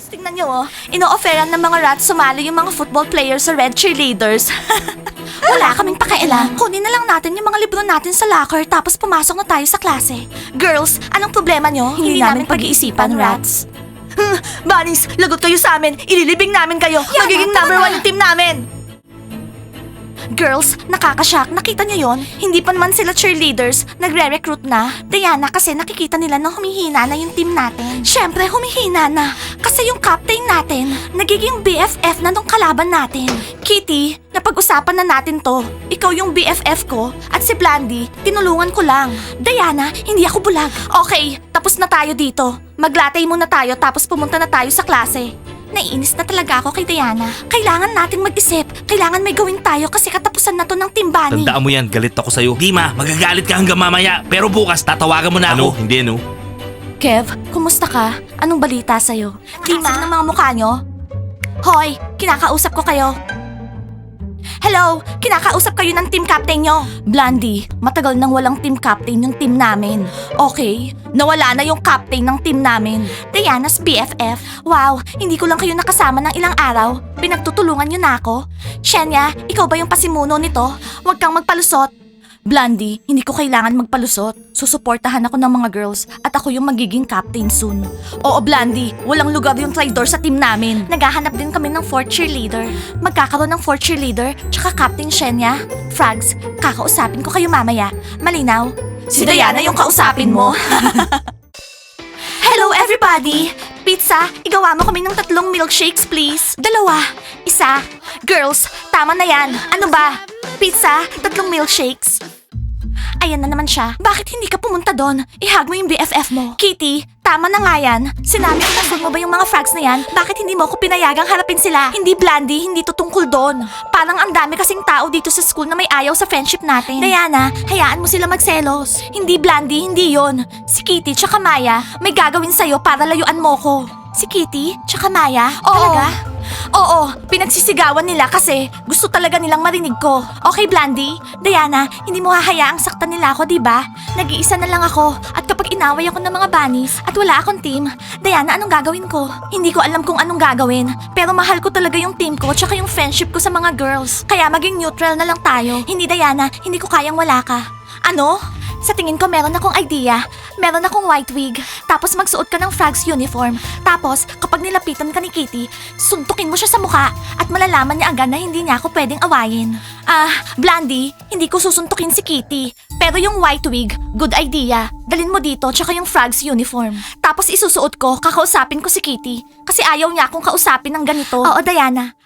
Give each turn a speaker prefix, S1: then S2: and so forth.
S1: tingnan nyo oh. Ino-offeran ng mga rats sumali yung mga football players sa red cheerleaders. Wala kaming pakialam. Kunin na lang natin yung mga libro natin sa locker tapos pumasok na tayo sa klase. Girls, anong problema nyo? Hindi namin pag-iisipan, rats. Bunnies, lagot kayo sa amin. Ililibing namin kayo. Magiging number 1 yung team namin. Girls, nakakashock. Nakita niyo yon? Hindi pa naman sila cheerleaders. Nagre-recruit na. Diana, kasi nakikita nila na humihina na yung team natin. Syempre, humihina na. Kasi yung captain natin, nagiging BFF na nung kalaban natin. Kitty, napag-usapan na natin to. Ikaw yung BFF ko at si Blandy, tinulungan ko lang. Diana, hindi ako bulag. Okay, tapos na tayo dito. Maglatay muna tayo tapos pumunta na tayo sa klase. Naiinis na talaga ako kay Diana. Kailangan nating mag-isip. Kailangan may gawin tayo kasi katapusan na to ng Team Bunny.
S2: Tandaan mo yan, galit ako sa'yo. Dima, magagalit ka hanggang mamaya. Pero bukas, tatawagan mo na ako. Hindi, no?
S1: Kev, kumusta ka? Anong balita sa'yo? Dima, ng mga mukha nyo? Hoy, kinakausap ko kayo. Hello, kinakausap kayo ng team captain nyo. Blandy, matagal nang walang team captain yung team namin. Okay, nawala na yung captain ng team namin. Diana's BFF. Wow, hindi ko lang kayo nakasama ng ilang araw. Pinagtutulungan nyo na ako. Shenya, ikaw ba yung pasimuno nito? Huwag kang magpalusot. Blandy, hindi ko kailangan magpalusot. Susuportahan ako ng mga girls at ako yung magiging captain soon. Oo, Blandy, walang lugar yung traitor sa team namin. Naghahanap din kami ng 4th cheerleader. Magkakaroon ng 4th cheerleader tsaka Captain Shenya. Frags, kakausapin ko kayo mamaya. Malinaw? Si Diana yung kausapin mo. Hello everybody! Pizza, igawa mo kami ng 3 milkshakes please. 2, 1. Girls, tama na yan. Ano ba? Pizza, 3 milkshakes. Ayan na naman siya. Bakit hindi ka pumunta doon? Ihag mo yung BFF mo. Kitty, tama na nga yan. Sinabi ko na mo ba yung mga frags na yan? Bakit hindi mo ako pinayagang harapin sila? Hindi Blandy, hindi to tungkol doon. Parang ang dami kasing tao dito sa school na may ayaw sa friendship natin. Diana, hayaan mo sila magselos. Hindi Blandy, hindi yon. Si Kitty tsaka Maya, may gagawin sa'yo para layuan mo ko. Si Kitty tsaka Maya? Oo. Talaga? Oo, pinagsisigawan nila kasi gusto talaga nilang marinig ko. Okay, Blandy? Diana, hindi mo hahayaang saktan nila ako, di ba? Nag-iisa na lang ako at kapag inaway ako ng mga bunnies at wala akong team, Diana, anong gagawin ko? Hindi ko alam kung anong gagawin, pero mahal ko talaga yung team ko tsaka yung friendship ko sa mga girls. Kaya maging neutral na lang tayo. Hindi, Diana, hindi ko kayang wala ka. Ano? Sa tingin ko meron akong idea. Meron akong white wig. Tapos magsuot ka ng Frags uniform. Tapos kapag nilapitan ka ni Kitty, suntukin mo siya sa mukha at malalaman niya agad na hindi niya ako pwedeng awayin. Blandy, hindi ko susuntukin si Kitty. Pero yung white wig, good idea. Dalin mo dito tsaka yung Frags uniform. Tapos isusuot ko, kakausapin ko si Kitty. Kasi ayaw niya akong kausapin ng ganito. Oo, Diana.